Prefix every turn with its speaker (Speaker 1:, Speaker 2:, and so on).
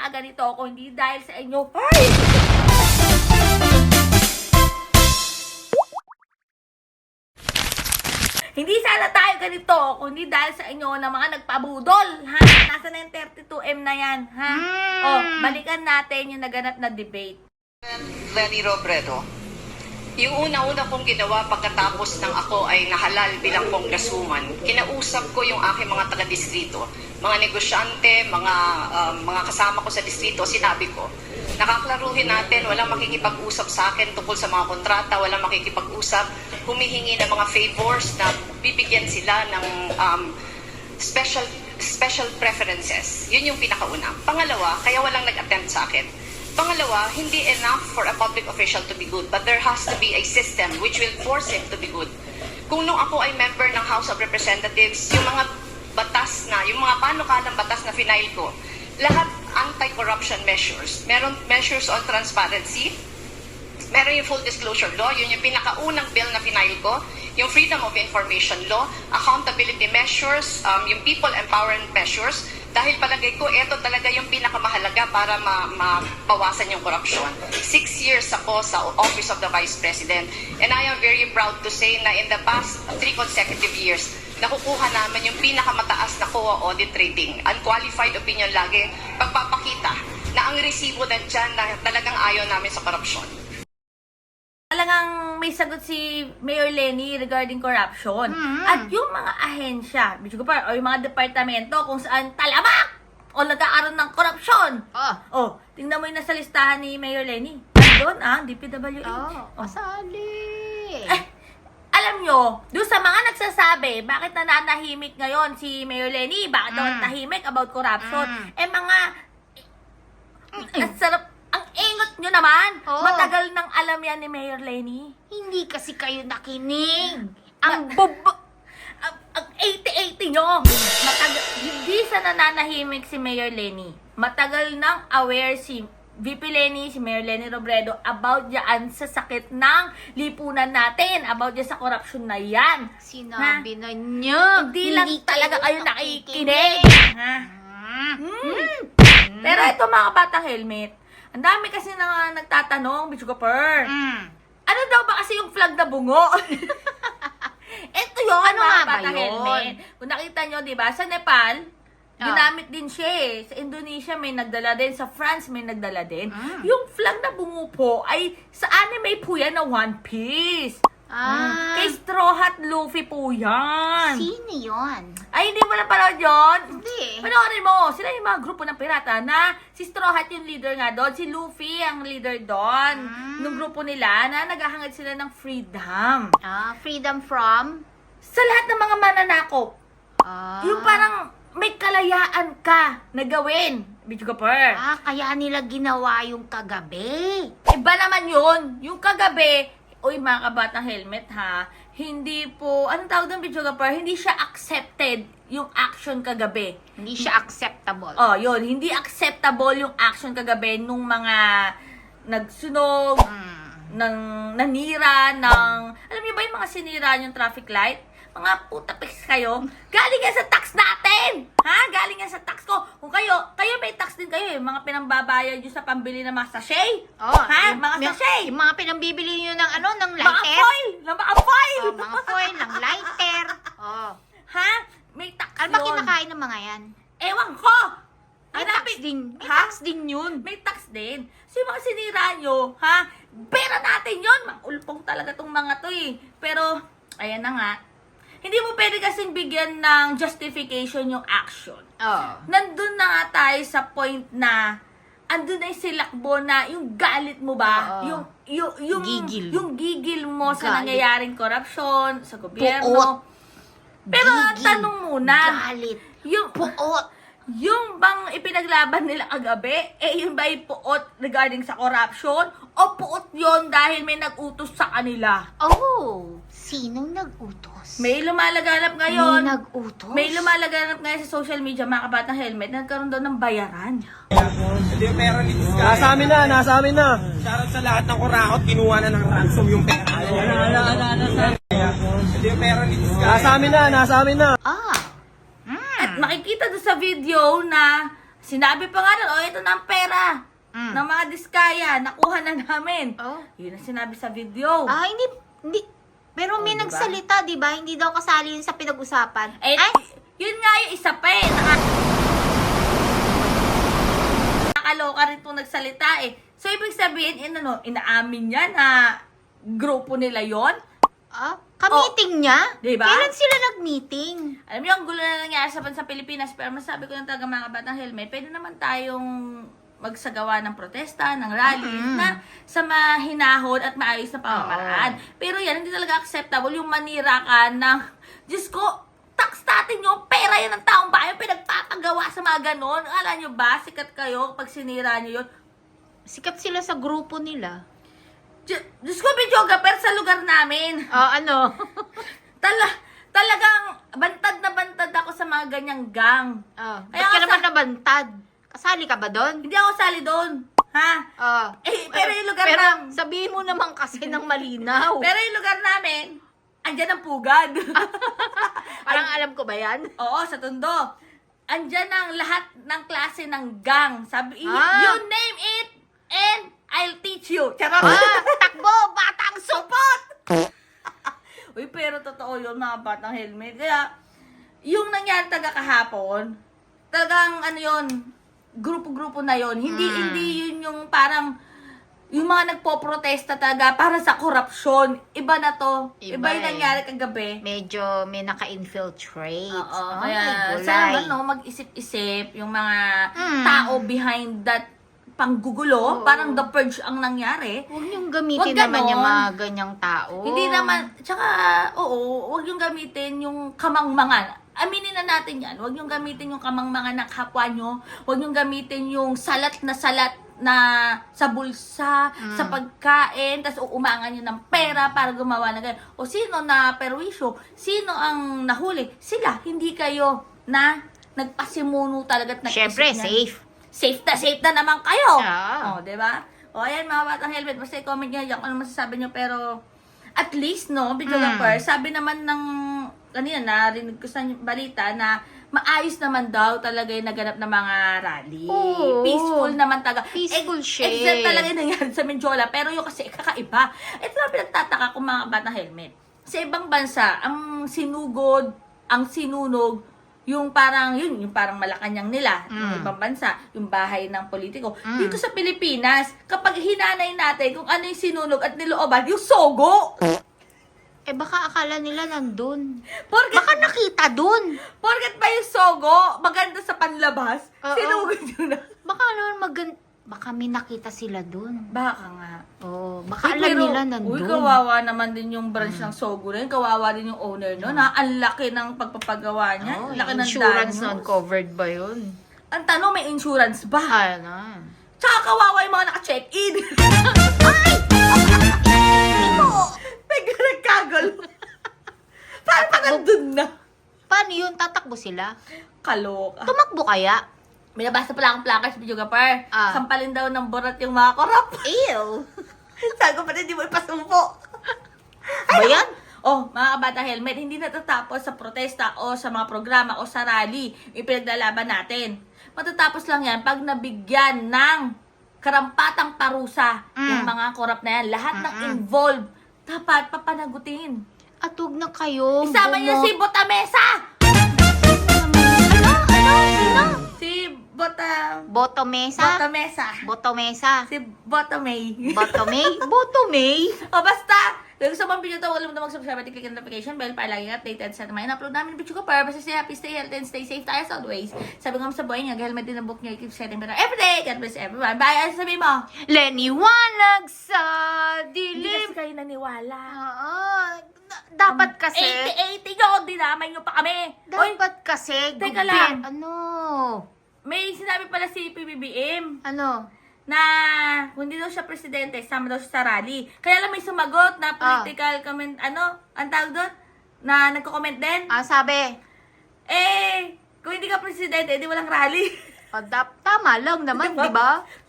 Speaker 1: nagkakaganito ako, hindi dahil sa inyo. Ay! Hindi sana tayo ganito, kundi dahil sa inyo na mga nagpabudol, ha? Nasa na yung 32M na yan, ha? O, balikan natin yung naganap na debate.
Speaker 2: Lenny Robredo, yung una-una kong ginawa pagkatapos ng ako ay nahalal bilang congresswoman, kinausap ko yung aking mga taga-distrito, mga negosyante, mga kasama ko sa distrito, sinabi ko, nakaklaruhin natin, walang makikipag-usap sa akin tungkol sa mga kontrata, walang makikipag-usap, humihingi ng mga favors na bibigyan sila ng special preferences. Yun yung pinakauna. Pangalawa, kaya walang nag-attempt sa akin. Pangalawa, hindi enough for a public official to be good, but there has to be a system which will force him to be good. Kung nung ako ay member ng House of Representatives, yung mga batas na, yung mga panukalang batas na final ko, lahat anti-corruption measures. Meron measures on transparency, meron yung full disclosure law, yun yung pinakaunang bill na final ko, yung freedom of information law, accountability measures, yung people empowerment measures, dahil palagay ko, ito talaga yung pinakamahalaga para mabawasan yung korupsyon. 6 years ako sa Office of the Vice President, and I am very proud to say na in the past 3 consecutive years, nakukuha naman yung pinakamataas na COA audit rating. Unqualified opinion lagi, pagpapakita na ang resibo nandyan na talagang ayaw namin sa korupsyon.
Speaker 1: Talagang may sagot si Mayor Lenny regarding corruption. At yung mga ahensya, o yung mga departamento kung saan talamak o nagkakaroon ng korupsyon. Oh, tingnan mo yung nasa listahan ni Mayor Lenny. Doon, DPWH.
Speaker 3: Kasali.
Speaker 1: Alam nyo, doon sa mga nagsasabi, bakit nananahimik ngayon si Mayor Lenny? Bakit daw tahimik about corruption? Ang sarap, ang ingot nyo naman. Matagal nang alam yan ni Mayor Lenny.
Speaker 3: Hindi kasi kayo nakinig.
Speaker 1: Ang 80-80 nyo. Hindi sa nananahimik si Mayor Lenny. Matagal nang aware si VP Lenny, si Mayor Lenny Robredo about dyan sa sakit ng lipunan natin. About dyan sa korupsyon na yan.
Speaker 3: Sinabi na niya.
Speaker 1: Hindi lang talaga kayo nakikinig. Pero ito mga batang helmet, ang dami kasi na nagtatanong, Bichugapur. Ano daw ba kasi yung flag na bungo? Ito yun,
Speaker 3: Ano
Speaker 1: mga
Speaker 3: nga ba
Speaker 1: batang
Speaker 3: yun?
Speaker 1: helmet. Kung nakita nyo, di ba, sa Nepal, ginamit din siya eh. Sa Indonesia may nagdala din, sa France may nagdala din. Yung flag na bungo po ay sa anime po yan na One Piece. Kay Straw Hat Luffy po yan.
Speaker 3: Sino yun?
Speaker 1: Ay, hindi mo na panood yun?
Speaker 3: Hindi.
Speaker 1: Panoorin mo, sila yung mga grupo ng pirata na si Straw Hat yung leader nga doon, si Luffy ang leader doon. Nung grupo nila na naghahangad sila ng freedom.
Speaker 3: Freedom from?
Speaker 1: Sa lahat ng mga mananakop. Yung parang may kalayaan ka na gawin. Bichugapur.
Speaker 3: Kaya nila ginawa yung kagabi.
Speaker 1: Iba naman yun. Yung kagabi, uy mga kabatang helmet ha, hindi po, anong tawag doon Bichugapur? Hindi siya accepted yung action kagabi.
Speaker 3: Hindi siya acceptable.
Speaker 1: Oh, yun. Hindi acceptable yung action kagabi nung mga nagsunog, nanira, alam niyo ba yung mga sinira yung traffic light? Mga putapix kayo. Galing yan sa tax natin! Ha? Galing yan sa tax ko. Kung kayo may tax din kayo eh. Mga pinambabayad nyo sa pambili ng mga sachet. Ha? Mga sachet.
Speaker 3: Yung mga pinambibili nyo ng
Speaker 1: Mga
Speaker 3: lighter.
Speaker 1: foil! Mga foil!
Speaker 3: Mga foil, ng lighter.
Speaker 1: Ha? May tax
Speaker 3: Ano ba
Speaker 1: yun.
Speaker 3: kinakain ng mga yan?
Speaker 1: Ewan ko!
Speaker 3: May tax din. May tax din yun.
Speaker 1: May tax din. So yung mga sinira nyo, ha? Pera natin yun! Ulpong talaga tong mga to eh. Pero, ayan na nga. Hindi mo pwede kasing bigyan ng justification yung action. Nandun na nga tayo sa point na andun na yung silakbo na yung galit mo ba? Yung
Speaker 3: Gigil.
Speaker 1: Yung gigil mo sa
Speaker 3: Galit.
Speaker 1: nangyayaring korupsyon, sa gobyerno. Pero
Speaker 3: Gigil.
Speaker 1: tanong muna.
Speaker 3: Galit.
Speaker 1: Yung bang ipinaglaban nila kagabi, yun ba yung puot regarding sa corruption? O puot yun dahil may nag-utos sa kanila?
Speaker 3: Sinong nag-utos?
Speaker 1: May lumalaganap ngayon.
Speaker 3: May nag-utos?
Speaker 1: May lumalaganap ngayon sa social media, mga kabatang helmet, nagkaroon daw ng bayaran.
Speaker 4: Hindi yung pera ni Disca.
Speaker 5: Nasa amin na.
Speaker 4: Shoutout sa lahat ng kurakot, kinuha na ng ransom yung pera. Hindi yung pera ni Disca.
Speaker 5: Nasa amin na.
Speaker 1: At makikita doon sa video na Sinabi pa nga nun, ito na ang pera ng mga diskaya, nakuha na namin.
Speaker 3: Oh.
Speaker 1: Yun ang sinabi sa video.
Speaker 3: Hindi. Pero may
Speaker 1: diba?
Speaker 3: nagsalita, di ba? Hindi daw kasali yun sa pinag-usapan.
Speaker 1: Eh, yun nga yung isa pa eh. Nakakaloka rin itong nagsalita eh. So, ibig sabihin, inaamin niya na grupo nila yon.
Speaker 3: Ka-meeting niya?
Speaker 1: Diba?
Speaker 3: Kailan sila nag-meeting?
Speaker 1: Alam niyo, ang gulo na nangyari sa bansa Pilipinas, pero masabi ko lang talaga mga kabatang helmet, pwede naman tayong magsagawa ng protesta, ng rallies, na sa mahinahon at maayos na pamamaraan. Pero yan, hindi talaga acceptable yung manira ka ng, Diyos ko, tax natin yung pera yan ng taong bayan, pinagpapagawa sa mga ganon. Alam niyo ba, sikat kayo pag sinira niyo yun.
Speaker 3: Sikat sila sa grupo nila.
Speaker 1: Diyos ko, videographer sa lugar namin.
Speaker 3: Ano?
Speaker 1: Talagang bantad na bantad ako sa mga ganyang gang.
Speaker 3: Ba't
Speaker 1: Kaya
Speaker 3: ka
Speaker 1: nga
Speaker 3: naman nabantad? Kasali ka ba doon?
Speaker 1: Hindi ako sali doon. Ha? Pero yung lugar namin...
Speaker 3: sabihin mo naman kasi ng malinaw.
Speaker 1: Pero yung lugar namin, andyan ang pugad.
Speaker 3: Parang alam ko ba yan?
Speaker 1: Oo, sa Tondo. Andyan ang lahat ng klase ng gang. Sabi,
Speaker 3: Ah.
Speaker 1: you name it, and I'll teach you. Charot.
Speaker 3: Takbo! Batang supot!
Speaker 1: Uy, pero totoo yun, mga batang helmet. Kaya, yung nangyari taga kahapon, talagang ano yun, grupo-grupo na yun. Hindi yun yung parang, yung mga nagpo-protesta talaga para sa korupsyon. Iba na to. Iba yung
Speaker 3: Iba
Speaker 1: nangyari kagabi.
Speaker 3: Medyo may naka-infiltrate.
Speaker 1: Oo,
Speaker 3: Ay,
Speaker 1: kaya
Speaker 3: gulay.
Speaker 1: sana mag-isip-isip yung mga tao behind that panggugulo. Parang the purge ang nangyari.
Speaker 3: Huwag niyong gamitin
Speaker 1: Huwag
Speaker 3: naman
Speaker 1: ganon.
Speaker 3: yung mga ganyang tao.
Speaker 1: Hindi naman, tsaka, huwag yung gamitin yung kamangmangan. Aminin na natin yan. Huwag yung gamitin yung kamangmangan ng kapwa nyo. Huwag yung gamitin yung salat na sa bulsa, sa pagkain, tapos uumangan nyo ng pera para gumawa ng ganyan. O sino na perwisyo? Sino ang nahuli? Sila, hindi kayo na nagpasimuno talaga at nag-isip
Speaker 3: Siyempre,
Speaker 1: niyan.
Speaker 3: safe.
Speaker 1: Safe na naman kayo.
Speaker 3: Ah.
Speaker 1: Di ba? O, ayan, mga batang helmet. Basta i-comment nyo yan kung ano masasabi nyo. Pero, at least, no, videographer, sabi naman ng, kanina, narinig ko sa balita na maayos naman daw talaga yung naganap na mga rally.
Speaker 3: Oo.
Speaker 1: Peaceful naman talaga.
Speaker 3: Peaceful siya.
Speaker 1: Except talaga yung nangyari sa Menjola. Pero yung kasi kakaiba. Ito na pinagtataka kong mga batang helmet. Sa ibang bansa, ang sinunog, yung parang Malacanang nila, yung ibang bansa, yung bahay ng politiko. Dito sa Pilipinas, kapag hinanay natin kung ano yung sinunog at nilooban, yung sogo.
Speaker 3: Baka akala nila nandun.
Speaker 1: Porket,
Speaker 3: Baka nakita dun.
Speaker 1: porket ba yung sogo, maganda sa panlabas,
Speaker 3: Oo.
Speaker 1: sinugod yun na.
Speaker 3: Baka naman baka may nakita sila dun.
Speaker 1: Baka nga.
Speaker 3: Baka
Speaker 1: Uy,
Speaker 3: alam
Speaker 1: pero,
Speaker 3: nila nandun.
Speaker 1: Uy, kawawa naman din yung branch ng Sogo na yun. Kawawa din yung owner nun. Ang laki ng pagpapagawa niya. Ang laki ng
Speaker 3: Insurance
Speaker 1: danos.
Speaker 3: non-covered ba yun?
Speaker 1: Ang tanong, may insurance ba?
Speaker 3: Ano?
Speaker 1: Tsaka kawawa yung mga naka-check-in. Nagkagulo. Paano pa nandun na?
Speaker 3: Paano yun? Tatakbo sila?
Speaker 1: Kaloka.
Speaker 3: Tumakbo kaya?
Speaker 1: May nabasa pala akong placards, videographer.
Speaker 3: Ah.
Speaker 1: Sampalin daw ng borat yung mga korap.
Speaker 3: Ew!
Speaker 1: Sabi ko pa hindi mo ipasumpo.
Speaker 3: Ba yan?
Speaker 1: Mga kabata helmet, hindi natatapos sa protesta o sa mga programa o sa rally yung pinaglalaban natin. Matatapos lang yan pag nabigyan ng karampatang parusa yung mga korap na yan. Lahat ng involved, dapat papanagutin.
Speaker 3: At huwag na kayo.
Speaker 1: Isama niyo si Botamesa!
Speaker 3: Sino?
Speaker 1: Si
Speaker 3: Botomesa?
Speaker 1: Botamesa.
Speaker 3: Botomesa?
Speaker 1: Si Botomay.
Speaker 3: Botomay? Botomay?
Speaker 1: Basta, kung gusto mong video to, huwag mo mag-subscribe at i-click ang notification bell para lagi updated sa mga in-upload namin video ko para basta stay happy, stay healthy, and stay safe tayo as always. Sabi ko sa buhay niya, helmet din ang book niya, keep setting better everyday. God bless everyone. Bye! Ano sabihin mo?
Speaker 3: Leniwanag sa
Speaker 1: Hindi
Speaker 3: dilim.
Speaker 1: kasi kayo naniwala.
Speaker 3: Dapat kasi.
Speaker 1: 80-80 nyo, dinamay nyo pa kami. Oy,
Speaker 3: Dapat kasi.
Speaker 1: Teka lang.
Speaker 3: Ano?
Speaker 1: may sinabi pala si PBBM
Speaker 3: Ano?
Speaker 1: na kung hindi daw siya presidente, sama daw siya sa rally. Kaya lang may sumagot na political comment, ang tawag doon? Na nagko-comment din.
Speaker 3: Sabi.
Speaker 1: Kung hindi ka presidente, edi walang rally.
Speaker 3: Tama lang naman,
Speaker 1: Diba?
Speaker 3: di ba?